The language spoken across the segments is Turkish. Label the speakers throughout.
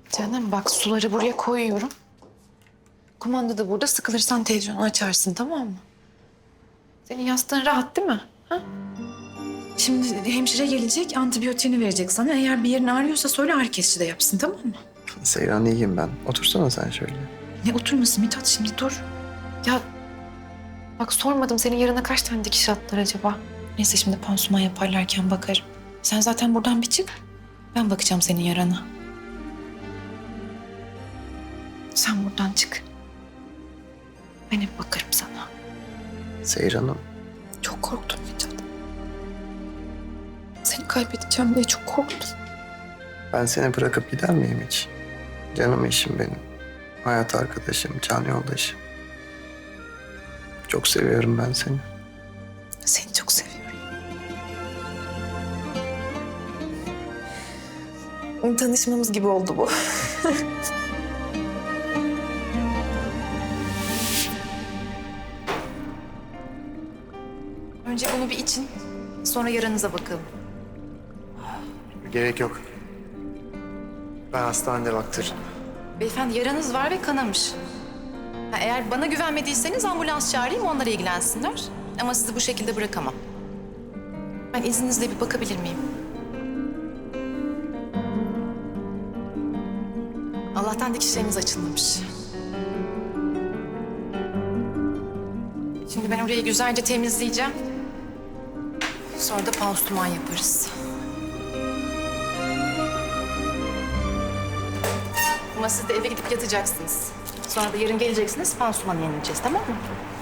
Speaker 1: Canım bak suları buraya koyuyorum. Kumanda da burada. Sıkılırsan televizyonu açarsın, tamam mı? Senin yastığın rahat değil mi? Ha? Şimdi hemşire gelecek, antibiyotiğini verecek sana. Eğer bir yerin ağrıyorsa söyle, ağrı kesici de yapsın, tamam mı?
Speaker 2: Seyran iyiyim ben. Otursana sen şöyle.
Speaker 1: Ne oturması Mithat, şimdi dur. Ya bak sormadım, senin yarına kaç tane dikiş attılar acaba? Neyse şimdi pansuman yaparlarken bakarım. Sen zaten buradan bir çık. Ben bakacağım senin yarana. Sen buradan çık. Ben hep bakarım sana.
Speaker 2: Seyran'ım.
Speaker 1: Çok korktum Mithat. Seni kaybedeceğim diye çok korktum.
Speaker 2: Ben seni bırakıp gider miyim hiç? Canım eşim benim. Hayat arkadaşım, can yoldaşım. Çok seviyorum ben seni.
Speaker 1: Seni çok seviyorum. Tanışmamız gibi oldu bu. Önce bunu bir için, sonra yaranıza bakalım.
Speaker 2: Gerek yok. Ben hastanede baktırırım.
Speaker 1: Beyefendi yaranız var ve kanamış. Ha, eğer bana güvenmediyseniz ambulans çağırayım, onlar ilgilensinler. Ama sizi bu şekilde bırakamam. Ben izninizle bir bakabilir miyim? Allah'tan dikişleriniz açılmamış. Şimdi ben orayı güzelce temizleyeceğim. Sonra da pansuman yaparız. Ama siz de eve gidip yatacaksınız. Sonra da yarın geleceksiniz, pansumanı yenileceğiz, tamam mı?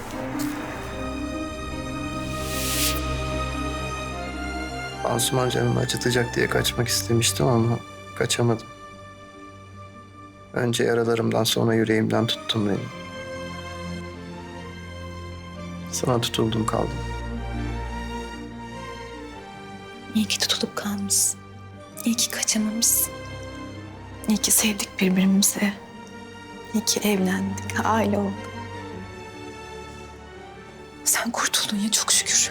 Speaker 2: Pansuman canımı acıtacak diye kaçmak istemiştim ama kaçamadım. Önce yaralarımdan sonra yüreğimden tuttun beni. Sana tutuldum kaldım.
Speaker 1: İyi ki tutulup kalmışsın. İyi ki kaçamamışsın. İyi ki sevdik birbirimizi. İyi ki evlendik, aile olduk. Sen kurtuldun ya, çok şükür.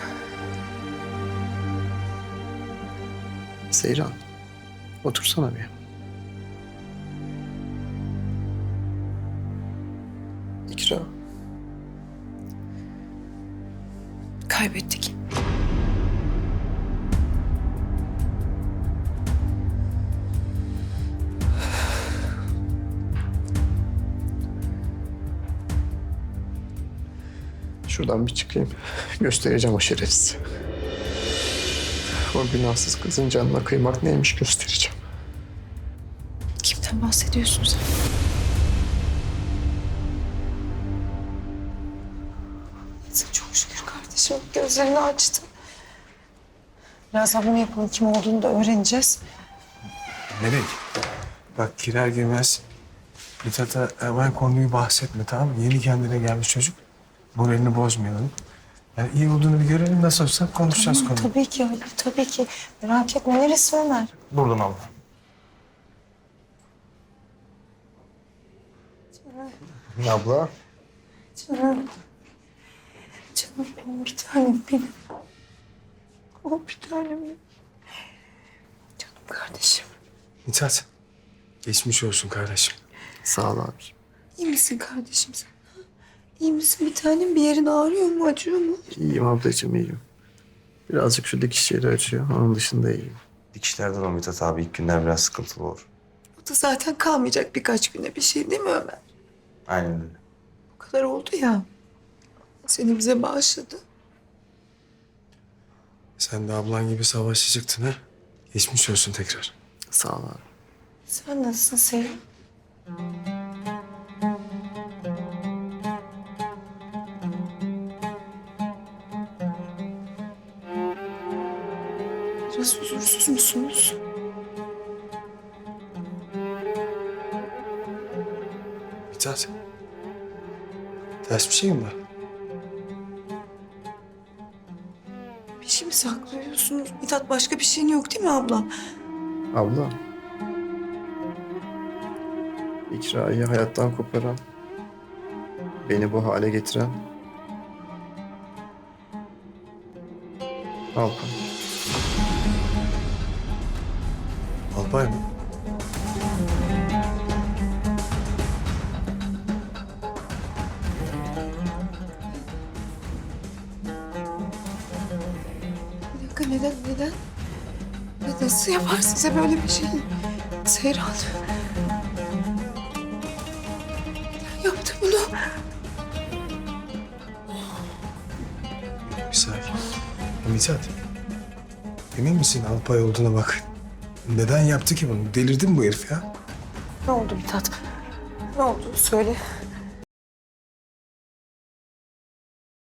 Speaker 2: Seyran, otursana bir. İkra.
Speaker 1: Kaybettik.
Speaker 2: Şuradan bir çıkayım. Göstereceğim o şerefsiz. O günahsız kızın canına kıymak neymiş göstereceğim.
Speaker 1: Kimden bahsediyorsun sen?
Speaker 3: Neyse, çok şükür kardeşim gözlerini açtı. Birazdan bunu yapalım, kim olduğunu da öğreneceğiz.
Speaker 4: Melek, bak girer girmez Mithat'a hemen konuyu bahsetme, tamam mı? Yeni kendine gelmiş çocuk. Moralini bozmayalım. Yani iyi olduğunu bir görelim, nasıl olsa konuşacağız konuyu.
Speaker 3: Tabii ki öyle, tabii ki. Merak etme, neresi Ömer?
Speaker 4: Buradan abla. Abla.
Speaker 3: Canım. Canım benim, bir tanem benim. Oh, bir tanem benim. Canım kardeşim.
Speaker 4: Mithat, geçmiş olsun kardeşim.
Speaker 2: Sağ ol abi.
Speaker 3: İyi misin kardeşim sen? Ha? İyi misin bir tanem? Bir yerin ağrıyor mu, acıyor mu?
Speaker 2: İyiyim ablacığım, iyiyim. Birazcık şu dikiş yeri acıyor. Onun dışında iyiyim.
Speaker 5: Dikişlerden o Mithat abi ilk günden biraz sıkıntılı olur.
Speaker 3: O da zaten kalmayacak birkaç güne bir şey değil mi Ömer?
Speaker 5: Aynen öyle.
Speaker 3: Bu kadar oldu ya. Seni bize bağışladı.
Speaker 4: Sen de ablan gibi savaşa çıktın ha. Geçmiş olsun tekrar.
Speaker 2: Sağ ol abi.
Speaker 3: Sen nasılsın Sevim? Biraz huzursuz musunuz?
Speaker 4: Mithat, ters bir şey mi var?
Speaker 3: Bir şey mi saklıyorsunuz? Mithat, başka bir şeyin yok değil mi abla?
Speaker 2: Abla. İkra'yı hayattan koparan, beni bu hale getiren Alpan.
Speaker 4: Alpay mı?
Speaker 3: dakika neden? Nasıl yapar size böyle bir şey? Seyran. Neden yaptı bunu?
Speaker 4: Bir sakin. Ya Mithat. Emin misin Alpay olduğuna bak. Neden yaptı ki bunu? Delirdi mi bu herif ya?
Speaker 3: Ne oldu Mithat? Ne oldu? Söyle.